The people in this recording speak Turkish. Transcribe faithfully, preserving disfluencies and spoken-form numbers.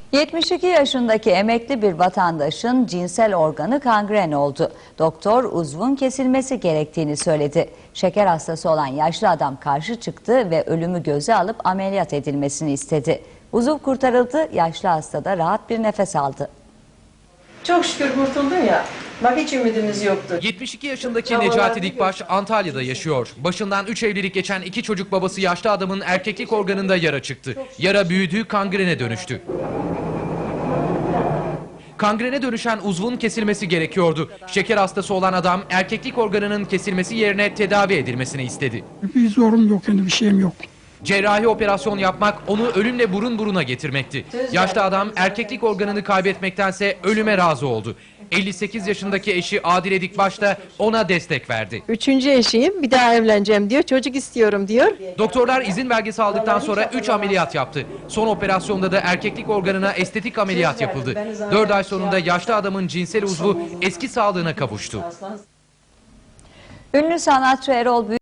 yetmiş iki yaşındaki emekli bir vatandaşın cinsel organı kangren oldu. Doktor uzvun kesilmesi gerektiğini söyledi. Şeker hastası olan yaşlı adam karşı çıktı ve ölümü göze alıp ameliyat edilmesini istedi. Uzuv kurtarıldı, yaşlı hasta da rahat bir nefes aldı. Çok şükür kurtuldun ya. Bak hiç ümidimiz yoktu. yetmiş iki yaşındaki Necati Dikbaş Antalya'da yaşıyor. Başından üç evlilik geçen iki çocuk babası yaşlı adamın erkeklik organında yara çıktı. Yara büyüdü, kangrene dönüştü. Kangrene dönüşen uzvun kesilmesi gerekiyordu. Şeker hastası olan adam erkeklik organının kesilmesi yerine tedavi edilmesini istedi. Bir zorum yok, yani bir şeyim yok. Cerrahi operasyon yapmak onu ölümle burun buruna getirmekti. Yaşlı adam erkeklik organını kaybetmektense ölüme razı oldu. elli sekiz yaşındaki eşi Adile Dikbaş da ona destek verdi. Üçüncü eşiyim, bir daha evleneceğim diyor, çocuk istiyorum diyor. Doktorlar izin belgesi aldıktan sonra üç ameliyat yaptı. Son operasyonda da erkeklik organına estetik ameliyat yapıldı. dört ay sonunda yaşlı adamın cinsel uzvu eski sağlığına kavuştu. Ünlü sanatçı Erol Büyük